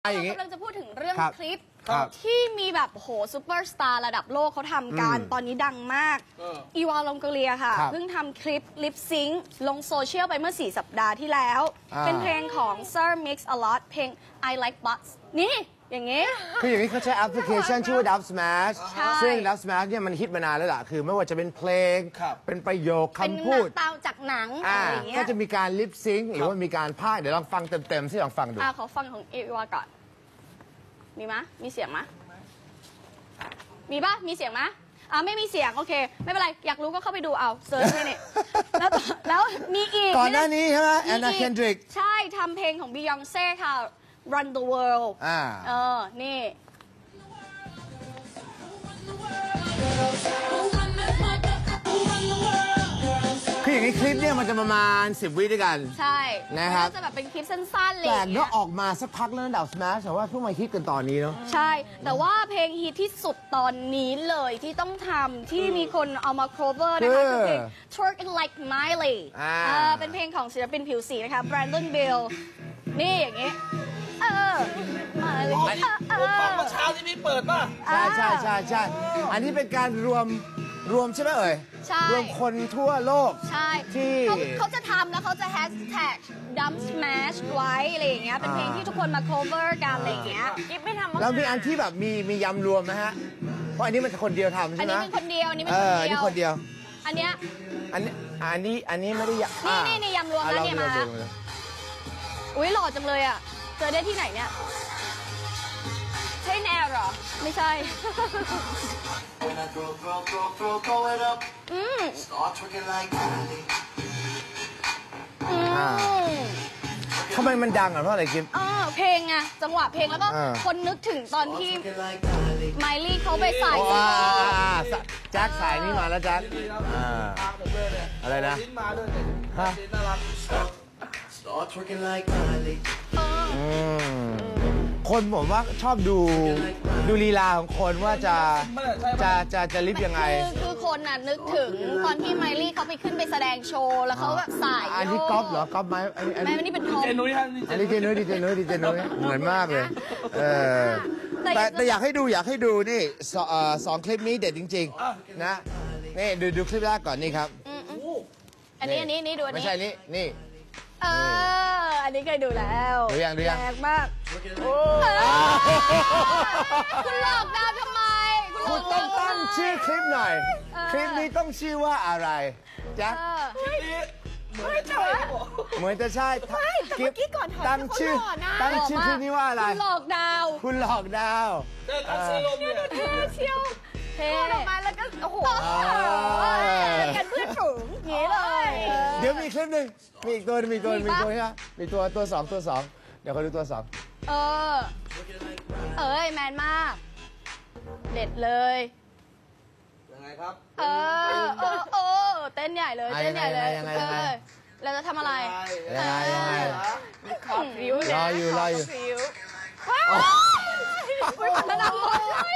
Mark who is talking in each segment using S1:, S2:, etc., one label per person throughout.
S1: เรากำลังจะพูดถึงเรื่องคลิปที่มีแบบโหซูเปอร์สตาร์ระดับโลกเขาทำกันตอนนี้ดังมากอีวาลองโกเลียค่ะเพิ่งทำคลิปลิปซิงค์ลงโซเชียลไปเมื่อ4 สัปดาห์ที่แล้วเป็นเพลงของ Sir Mix a Lot เพลง I Like Butts นี่อย่างงี้
S2: คืออย่างนี้เขาใช้แอปพลิเคชันชื่อว่า Dub Smash ซึ่ง Dub Smash เนี่ยมันฮิตมานานแล้วล่ะคือไม่ว่าจะเป็นเพลงเป็นประโยคคำพูด
S1: ตามจากหนังอะไรอย่างเงี้ย
S2: ก็จะมีการลิปซิงค์หรือว่ามีการพากย์เดี๋ยวลองฟังเต็มๆสิลองฟังดู
S1: ขอฟังของอีวาก่อนมีมะมีเสียงมะมีปะมีเสียงมะไม่มีเสียงโอเคไม่เป็นไรอยากรู้ก็เข้าไปดูเอาเซิร์ชเลยเนี่ยแล้วมีอีก
S2: ก่อนหน้านี้ใช่ไหมแอนนาเคนดริก
S1: ใช่ทำเพลงของบียองเซ่ค่ะ Run the World นี่
S2: คืออย่างนี้คลิปเนี่ยมันจะประมาณ10 วิด้วยกัน
S1: ใช่
S2: นะครับ
S1: จะแบบเป็นคลิปสั้นๆเลย
S2: แต่ก็ออกมาสักพักแล้วดับสแมชแต่ว่าเพิ่งมาฮิตกันตอนนี้เนาะ
S1: ใช่แต่ว่าเพลงฮิตที่สุดตอนนี้เลยที่ต้องทำที่มีคนเอามา cover นะคะคือเพลง Twerk It Like Miley เป็นเพลงของศิลปินผิวสีนะคะ Brandon Bill นี่อย่างงี้
S3: มาเลยฟังเมื่อเช้าที่พี่เปิดป่ะ
S2: ใช่อันนี้เป็นการรวมใช่ไหมเอ่ยรวมคนทั่วโลก
S1: ใช่
S2: ที่
S1: เขาจะทำแล้วเขาจะแฮชแท็ก Dub Smash ไว้อะไรอย่างเงี้ยเป็นเพลงที่ทุกคนมา cover กันอะไรอย่างเงี้ยกิ๊บไม่ทำ
S2: แล้วมีอันที่แบบมียำรวมนะฮะเพราะอันนี้มันคนเดียวทำใช่ไหม
S1: อันนี้เป็นคนเดียวอันนี้
S2: คนเดียว
S1: อันเนี้ย
S2: อันนี้ไม่ได้
S1: นี่ยำรวมแล้วเนี่ยมาอุ้ยหล่อจังเลยอ่ะเจอได้ที่ไหนเนี่ยใช่แนวหรอไม่ใช่
S2: ทำไมมันดังอ่ะเพราะอะไรกิ๊บ
S1: เพลงไงจังหวะเพลงแล้วก็คนนึกถึงตอนที่ไมลี่เขาไปใส่
S2: แจ็คสายนี่มาแล้วแจ็คอะไรนะคนผมว่าชอบดูลีลาของคนว่าจะลิฟยังไง
S1: คือคนน่ะนึกถึงตอนที่ไมลี่เขาไปขึ้นไปแสดงโชว์แล้วเขาแบบสาย
S2: อันนี้ก๊อฟเหรอก๊อฟไหม
S1: ไม่นี่เป็นทอม
S2: อันนี้ดีเจนุ้ยเหมือนมากเลยแต่อยากให้ดูนี่2 คลิปนี้เด็ดจริงๆนะนี่ดูคลิปแรกก่อนนี่ครับ
S1: อันนี้ดูอันนี้
S2: ไม่ใช่นี่
S1: อันนี้เคยดูแล้ว
S2: ดูยัง
S1: แรงมากคุณหลอกดาวทำไม
S2: คุณต้องตั้งชื่อคลิปหน่อยคลิปนี้ต้องชื่อว่าอะไรแจ็คเหมือนจะใช่
S1: คลิป
S2: ตั้งชื่อคลิปนี้ว่าอะไร
S1: คุณหลอกดาวเชียวเท่ออกมาแล้วก็โอ้โหกันเพื่อนฝูงอย่างนี้เลย
S2: เดี๋ยวมีคลิปหนึ่งมีอีกตัวใช่ไหมมีตัว2เดี๋ยวเขาดูตัว2
S1: แมนมากเด็ดเลย
S3: ยังไงครับ
S1: เต้นใหญ่เลยเราจะทำอะไร
S2: ยังไง
S1: ขอฟิว
S2: รออยู่
S1: มันดังหมดเลย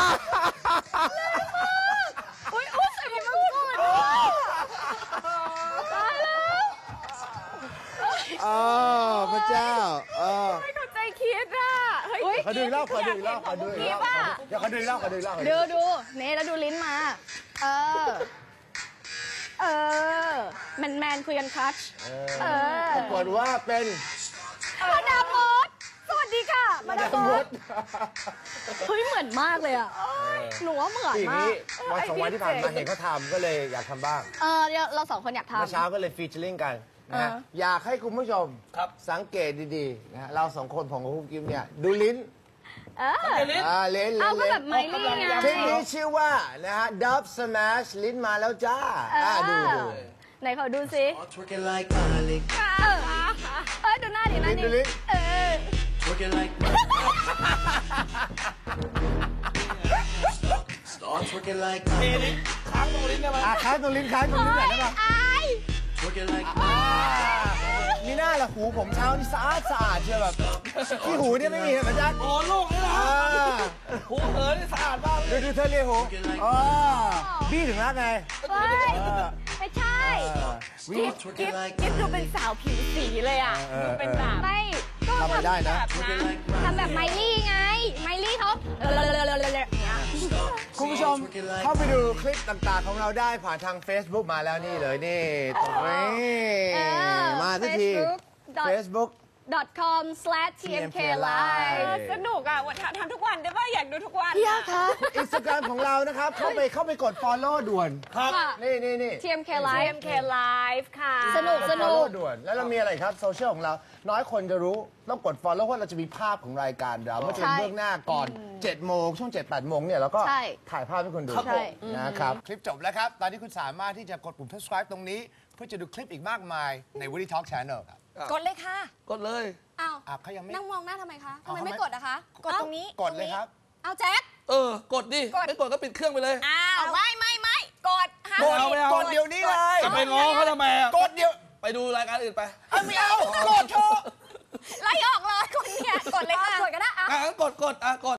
S1: ใส่หมวกกันน็อกตายแล้ว
S2: พระเจ้า
S1: ไม่เข้าใจคิดอ่ะ
S2: ขอดูอีกรอบเดี๋ยวขอดูอีกรอบ
S1: ดูเน่แล้วดูลิ้นมาแมนคุยกันคัช
S2: ปรากฏว่าเป็น
S1: มาดามมดสวัสดีค่ะมาดามมดเฮ้ยเหมือนมากเลยอ่ะหนูว่าเหมือนมาก
S2: วัน2 วันที่ผ่านมาเห็นเขาทำก็เลยอยากทำบ้าง
S1: เรา2 คนอยากทำ
S2: เมื่อเช้าก็เลยฟีเจอริ่งกันนะอยากให้คุณผู้ชมสังเกตดีๆนะเรา2 คนของคุณกิ๊บเนี่ยดูลิ้น
S1: ลิ้นก็แบบไมลี่ไง
S2: คลิปนี้ชื่อว่านะฮะ Dub Smash ลิ้นมาแล้วจ้าดู
S1: ไหนขอดูสิดูหน้าดิ
S2: ดูลิ้น
S3: ค้างตรงลิ้นได้ไหม
S2: ค้างตรงลิ้นไหนได้ป่ะมีหน้าละหูผมเช้านี่สะอาดเชียวแบบที่หูเนี่ยไม่มีเหรอจ๊ะ
S3: โอ้ลูกนี่นะหูเหินนี่สะอาดมาก
S2: ดูเธอเรียกหูบี้ถึงรักไง
S1: ไม่ใช่กิ๊บดูเป็นสาวผิวสีเลยอ่ะดูเป็นแบบไม่ก็
S2: ทำไม่ได้นะ
S1: ทำแบบไมลี่ไง ไมลี่เขาเนี่ย
S2: คุณผู้ชมเข้าไปดูคลิปต่างๆของเราได้ผ่านทาง Facebook มาแล้วนี่เลยนี่ตรงนี้มาสักที Facebook
S1: facebook.com/tmklive
S4: สนุกอ่ะทำทุกวันได้ป่ะอยากดูทุกวัน
S1: พี่ยาคะ
S2: Instagram ของเรานะครับ เข้าไปกด follow ด่วน
S3: ครับ
S2: นี่
S1: TMK Live
S4: TMK Live ค่ะ
S1: สนุก
S2: follow ด่วน แล้วเรามีอะไรครับโซเชียลของเรา น้อยคนจะรู้ต้องกด follow เพราะเราจะมีภาพของรายการเราไม่ใช่เบื้องหน้าก่อน 7 โมงช่วง 7-8 โมงเนี่ยเราก็
S1: ใช่
S2: ถ่ายภาพให้คุณดู
S3: ครับผม
S2: นะครับ คลิปจบแล้วครับ ตอนนี้คุณสามารถที่จะกดปุ่ม subscribe ตรงนี้ เพื่อจะดูคลิปอีกมากมายใน Woody Talk Channel ครับ
S4: กดเลยค่ะ
S3: กดเลย
S1: อ้าว
S2: เขายังไม่
S1: นั่งมองหน้าทำไมคะทำ
S2: เอา
S1: ไม
S2: ทำไม
S1: ไม่กดอะคะ
S4: กดตรงนี้
S2: กดเลยครับ
S1: เอาแจ็ค
S3: กดดิ ไม่กดก็ปิดเครื่องไปเลย
S4: อ้าวไม่กดห้าม
S3: กดเอาไม่เอา
S2: กดเดี๋ยวนี้เลย
S3: จะไปง้อเขาทำไมอะ
S2: กดเดี๋ยว
S3: ไปดูรายการอื่นไป
S2: ไม่เอากดเถอะ
S4: ไล่ออกเลยคนเนี่ยกดเลยค่ะ
S1: กดก็ได้
S3: งั้นกด